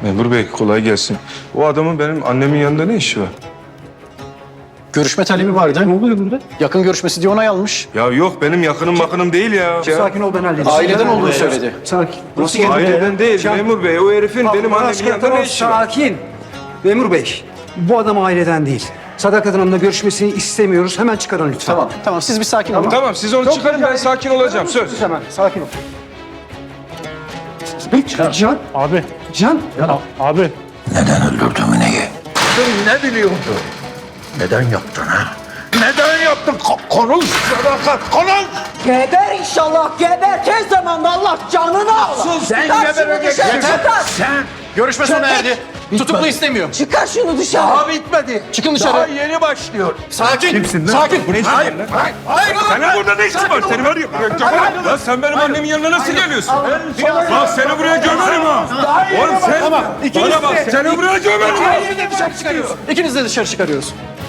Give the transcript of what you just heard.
Memur bey kolay gelsin. O adamın benim annemin yanında ne işi var? Görüşme talebi vardı. Ne oluyor burada? Yakın görüşmesi diye onay almış. Ya yok benim yakınım makınım değil ya. Sakin ol, ben halledeceğim. Aileden olduğunu söyledi. Sakin. Aileden değil memur bey. O herifin benim annemin yanında ne işi var? Sakin. Memur bey, bu adam aileden değil. Sadakat Hanım'la görüşmesini istemiyoruz. Hemen çıkarın lütfen. Tamam siz bir sakin olun. Tamam siz onu çıkarın ben sakin olacağım söz. Hemen, sakin ol. Can, Abi, Can. abi. Neden öldürdün Mine'yi? Ne biliyordun? Neden yaptın ha? Neden yaptın? Konuş Sadakat, konuş! Geber inşallah, geber. Tez zamanda Allah canını alır. Sen Çıkar şunu gebereceksin. dışarı, çıkar. Sen Görüşme sona erdi. Tutuklu istemiyor. Çıkar şunu dışarı. daha bitmedi. Çıkın dışarı. Daha yeni başlıyor. Sakin. Kimsin lan? Sakin. Hayır, hayır. Senin burada ne işin var? Seni var ya. Lan sen benim annemin yanına nasıl geliyorsun? Lan seni buraya gömerim ha. Oğlum sen bana bak seni buraya gömerim ha. İkiniz de dışarı çıkarıyoruz.